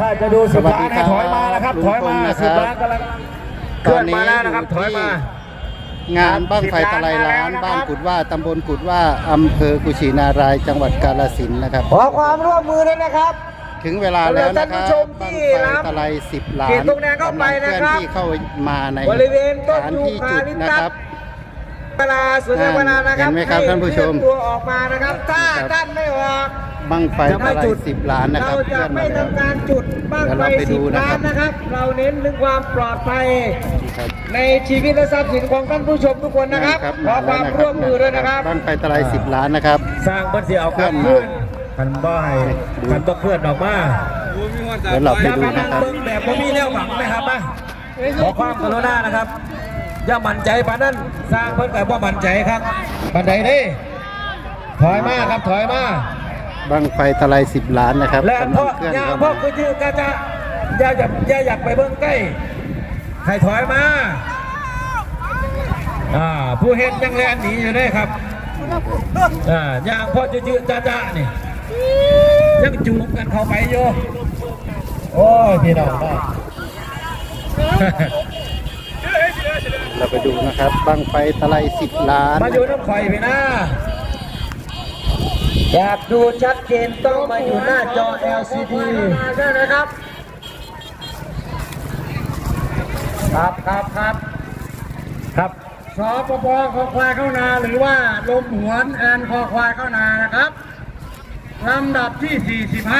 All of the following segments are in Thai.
จะดู10 ล้านให้ถอยมานะครับถอยมา10 ล้านกำลังเคลื่อนมาแล้วนะครับถอยมางานบั้งไฟตะไลล้านบ้านกุดว่าตำบลกุดว่าอำเภอกุชินารายจังหวัดกาฬสินธุ์นะครับขอความร่วมมือด้วยนะครับถึงเวลาแล้วนะครับบั้งไฟตะไล10 ล้านตรงแนวเข้าไปนะครับที่เข้ามาในบริเวณต้นยูที่จุดคาลิปนะครับเวลาสุดเวลานะครับเห็นไหมครับท่านผู้ชมตัวออกมานะครับถ้าท่านไม่ออกบั้งไฟตะไล10 ล้านนะครับเราจะไม่ทำการจุดบั้งไฟ10 ล้านนะครับเราเน้นเรื่องความปลอดภัยในชีวิตและทรัพย์สินของท่านผู้ชมทุกคนนะครับขอความร่วมมือด้วยนะครับบั้งไฟตะไล10 ล้านนะครับสร้างบันเสียเอาเคลื่อนมันบ่ให้มันต้องเคลื่อนออกมาเดี๋ยวเราไปดูนะครับแบบผมมีแนวหวังไหมครับขอความกรุณานะครับอย่ามั่นใจปานนั้นสร้างเพิ่นกับว่ามั่นใจครับปันใดนี่ถอยมาครับถอยมาบั้งไฟตะไล10 ล้านนะครับและพ่อย่าคือชื่อจะอย่าอยากไปเบื้องใกล้ให้ถอยมาผู้เห็นยังแลนหนีอยู่ได้ครับอย่างพ่อจืดจ้านี่ยังจูบกันเข้าไปโยโอ้ยพี่น้องเราไปดูนะครับบั้งไฟตะไล10 ล้านมาอยู่น้ำไฟพี่นะอยากดูชัดเจนต้องมาอยู่หน้าจอ LCD ใช่ไหมครับครับสปปคอควายเข้านาหรือว่าลมหวนแอนคอควายเข้านานะครับลำดับที่45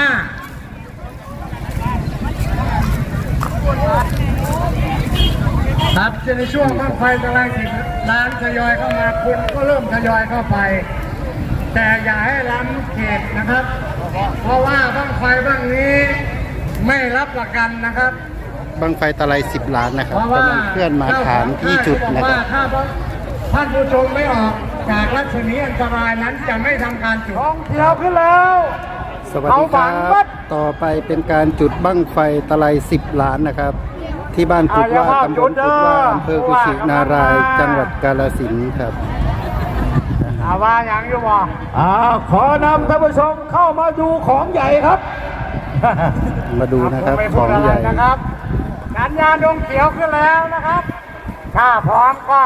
ครับในช่วงบั้งไฟตะไล10 ล้านทยอยเข้ามาคนก็เริ่มทยอยเข้าไปแต่อย่าให้ล้ำเขตนะครับเพราะว่าบั้งไฟบั้งนี้ไม่รับประกันนะครับบั้งไฟตะไล10 ล้านนะครับกำลังเคลื่อนมาฐานที่จุดนะครับถ้าท่านผู้ชมไม่ออกจากรัศมีอันตรายนั้นจะไม่ทำการจุดท้องเที่ยวขึ้นแล้วสวัสดีครับต่อไปเป็นการจุดบั้งไฟตะไล10 ล้านนะครับที่บ้านกุดว่าตำบลกุดว่าอำเภอกุชินารายจังหวัดกาฬสินธุ์ครับว่าอย่างอยู่บ่ขอนำท่านผู้ชมเข้ามาดูของใหญ่ครับมาดูนะครับของใหญ่นะครับสัญญาณดวงเขียวขึ้นแล้วนะครับถ้าพร้อมก็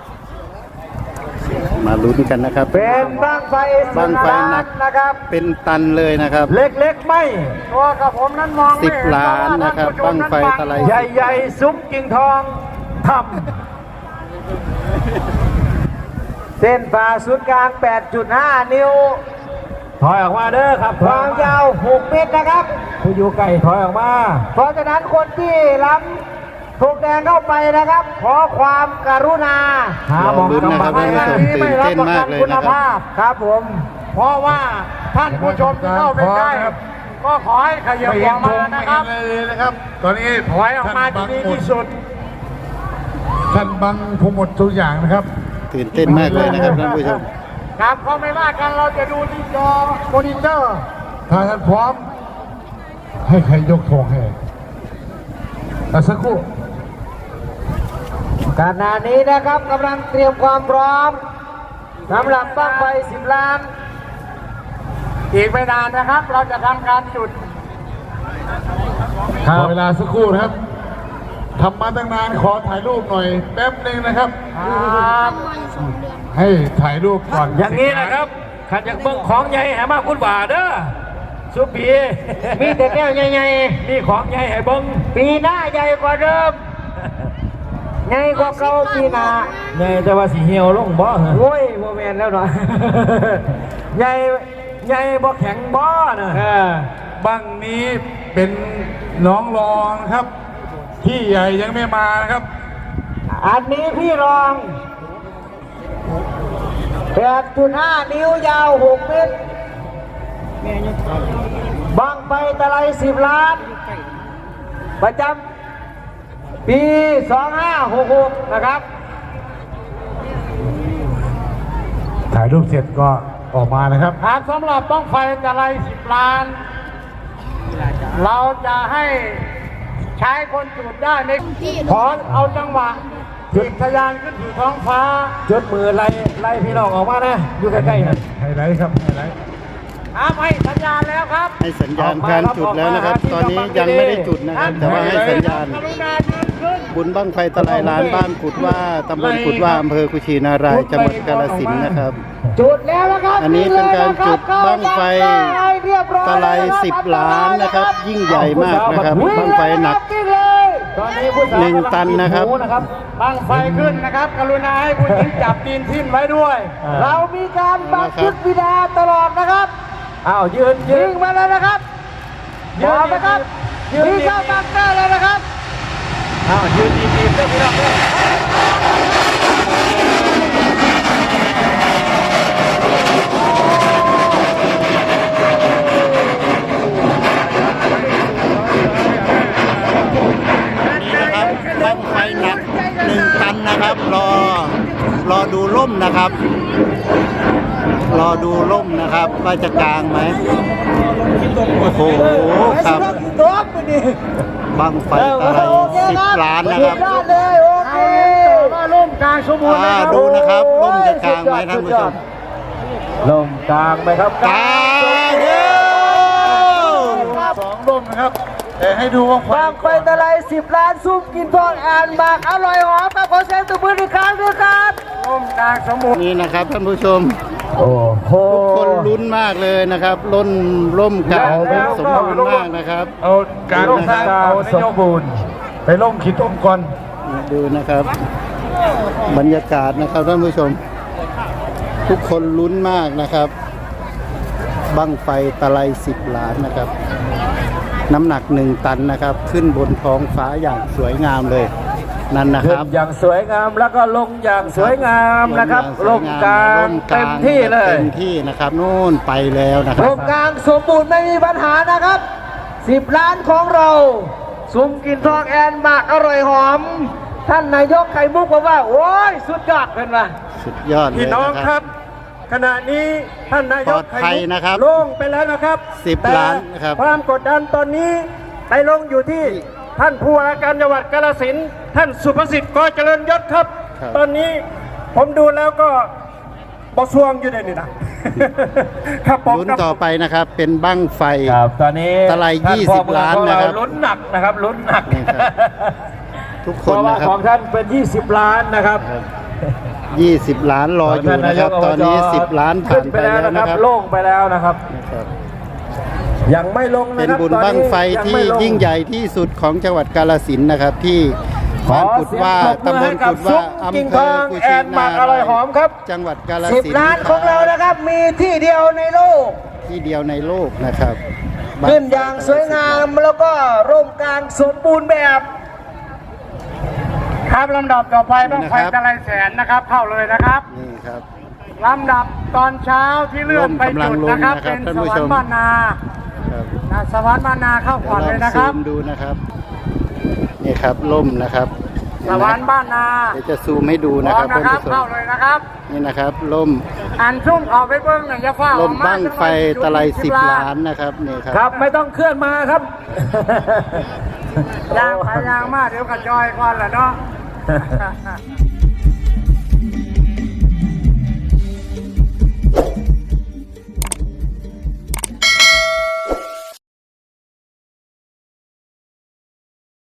มาลุ้นกันนะครับเป็นบั้งไฟหนักนะครับเป็นตันเลยนะครับเล็กๆไม่ตัวกับผมนั้นมองไม่ 10 ล้านนะครับบั้งไฟตะไลใหญ่ๆซุ้มกิ่งทองทำเส้นผ่าศูนย์กลาง 8.5 นิ้วถอยออกมาเด้อครับความยาว6 เมตรนะครับผู้อยู่ไกลถอยออกมาเพราะฉะนั้นคนที่ล้ำถูกแดงเข้าไปนะครับขอความกรุณาหาหมองกำบังที่ไม่รับประกันคุณภาพครับผมเพราะว่าท่านผู้ชมที่เข้าไปได้ก็ขอให้ขยับออกมานะครับตอนนี้ถอยออกมาดีที่สุดท่านบังผมหมดทุกอย่างนะครับตื่นเต้นมากเลยนะครับท่านผู้ชมครับเขาไม่ว่ากันเราจะดูที่จอมอนิเตอร์ถ้าท่านพร้อมให้ใครยกธงให้สักครู่ขณะนี้นะครับกำลังเตรียมความพร้อมสำหรับบั้งไฟ10 ล้านอีกไม่นานนะครับเราจะทำการจุดขอเวลาสักครู่นะครับทำมาตั้งนานขอถ่ายรูปหน่อยแป๊บนึงนะครับให้ถ่ายรูปก่อนอย่างนี้นะครับขันอยากเบิ้งของใหญ่แห่มากคุณบ่าเด้อสุปีมีแต่แก้วใหญ่ๆมีของใหญ่ให้เบิ้งปีหน้าใหญ่กว่าเดิมใหญ่กว่าเก่าปีหน้าใหญ่แต่ว่าสีเหี่ยวลงบ่โว้ยโมเมนต์แล้วหน่อยใหญ่บ่แข็งบ่นะบั้งนี้เป็นน้องรองครับพี่ใหญ่ยังไม่มานะครับอันนี้พี่รอง 8.5 นิ้วยาว6 เมตรบั้งไฟตะไล10 ล้านประจำปี2566นะครับถ่ายรูปเสร็จก็ออกมานะครับสำหรับบั้งไฟตะไล10 ล้านเราจะให้ใช้คนจุดได้ในขอเอาจังหวะจุดทะยานขึ้นสู่ท้องฟ้าจุดมือไล่พี่น้องออกมานะอยู่ใกล้ๆนะไฮไลท์ครับไฮไลท์ให้สัญญาณแล้วครับให้สัญญาณการจุดแล้วนะครับ ตอนนี้ยังไม่ได้จุดนะครับ แต่ว่าให้สัญญาณกรุณายืนขึ้นบุญบั้งไฟตะไลล้านบ้านกุดว่าตำบลกุดว่าอำเภอกุชินารายจังหวัดกาฬสินธุ์นะครับจุดแล้วนะครับอันนี้เป็นการจุดบั้งไฟตะไล10 ล้านนะครับ ยิ่งใหญ่มากนะครับบั้งไฟหนักตอนนี้ผู้สาว 1 ตันนะครับบังไฟขึ้นนะครับ กรุณาให้ผู้หญิงจับตีนทิ้นไว้ด้วย เรามีการบังชุดวิดาตลอดนะครับอ้าวยืนมาแล้วนะครับยืนนะครับมีเข้าบังเกอร์แล้วนะครับอ้าวยืนดีๆเพื่อนพี่น้องด้วยนี่นะครับบั้งไฟหนัก1 ตันนะครับ รอดูล่มนะครับ รอดูล่มนะครับว่าจะกลางไหมโอ้โหครับบั้งไฟตะไล10 ล้านนะครับเลยโอเคมาล่มกลางสมบูรณ์นะครับดูนะครับล่มจะกลางไหมท่านผู้ชมล่มกลางไหมครับกลางเด้อ 2 ร่มนะครับ แต่ให้ดูว่าบางไฟตะไล10 ล้านซุปกินทอดอ่านหมากอร่อยหอมครับขอเสียงตบมืออีกครั้งด้วยครับล่มกลางสมบูรณ์นี่นะครับท่านผู้ชมโอ้โหทุกคนลุ้นมากเลยนะครับร่มกลางเป็นสมบูรณ์มากนะครับเอาการทางเอาสมบูรณ์ไปล่มขีดต้มก่อนดูนะครับ บรรยากาศนะครับท่านผู้ชม ทุกคนลุ้นมากนะครับบั้งไฟตะไล10 ล้านนะครับ น้ำหนัก1 ตันนะครับ ขึ้นบนท้องฟ้าอย่างสวยงามเลยนั่นนะคขึ้นรับอย่างสวยงามแล้วก็ลงอย่างสวยงามนะครับล่มกลางเต็มที่เลยเต็มที่นะครับนู่นไปแล้วนะครัล่บมกลางสมบูรณ์ไม่มีปัญหานะครับ10 ล้านของเราซุ้มกินทองแอนหมากอร่อยหอม ท่านนายกไข่มุกบอกว่าโอ้ยสุดยอดเป็นว่ะสุดยอดเลยพี่น้องนะคครัรับบ ขณะนี้ท่านนายกปลอดภัยนะครับโล่งไปแล้วนะครับ 10 ล้านนะครับแต่ความกดดันตอนนี้ไปลงอยู่ที่ท่านผู้ว่าการจังหวัดกาฬสินธุ์ท่านสุภสิทธิ์กเจริญยศครับครับตอนนี้ผมดูแล้วก็บอสวงอยู่ในนี่นะ ครับผมลุ้นต่อไปนะครับ เป็นบั้งไฟครับตอนนี้ตะไลท่านพ่อเมือง 20 ล้านของนะครับเลุ้นหนักนะครับลุ้นหนักนี่ครับ ทุกคเพนราะว่านะครัของท่านเป็น20 ล้านนะครับบ20 ล้านรออยู่นะครับ ตอนนี้ 10 ล้านผ่านไปแล้วนะครับโล่งไปแล้วนะครับนะครับยังไม่ลงนะเป็นครับบุญบั้งไฟที่ยิ่งใหญ่ที่สุดของจังหวัดกาฬสินธุ์นะครับ ที่บ้านกุดว่าตำบลกุดว่าอำเภอกุชินารายจังหวัดกาฬสินธุ์ 10 ล้านของเรานะครับ มีที่เดียวในโลกที่เดียวในโลกนะครับขึ้นอย่างสวยงามแล้วก็ร่มกลางสมบูรณ์แบบครับลำดับต่อไปต้องไฟตะไลแสนนะครับ เข้าเลยนะครับนี่ครับลำดับตอนเช้าที่เลื่อนไปจุดนะครับร่เป็มนกำลังลงนะครับท่านผู้สวรชรมค์บ้านนาครับสวรรค์บ้านนาเข้าก่อนเลยนะคซูรับมดูนะครับนี่ครับล่มนะครับสวรรค์บ้านนาเดี๋ยวจะซูมให้ดูพนะร้อคมรับนะท่านครับผู้ชเข้าม เลยนะครับนี่นะครับล่มอันชุ่มเอาไปเบิ้งหน่อยอย่าฟ้าล่มบั้งไฟตะไล10 ล้านนะครับนี่ครับครับไม่ต้องเคลื่อนมาครับยางไปยางมาเดี๋ยวกระจอยก่อนแหละเนาะ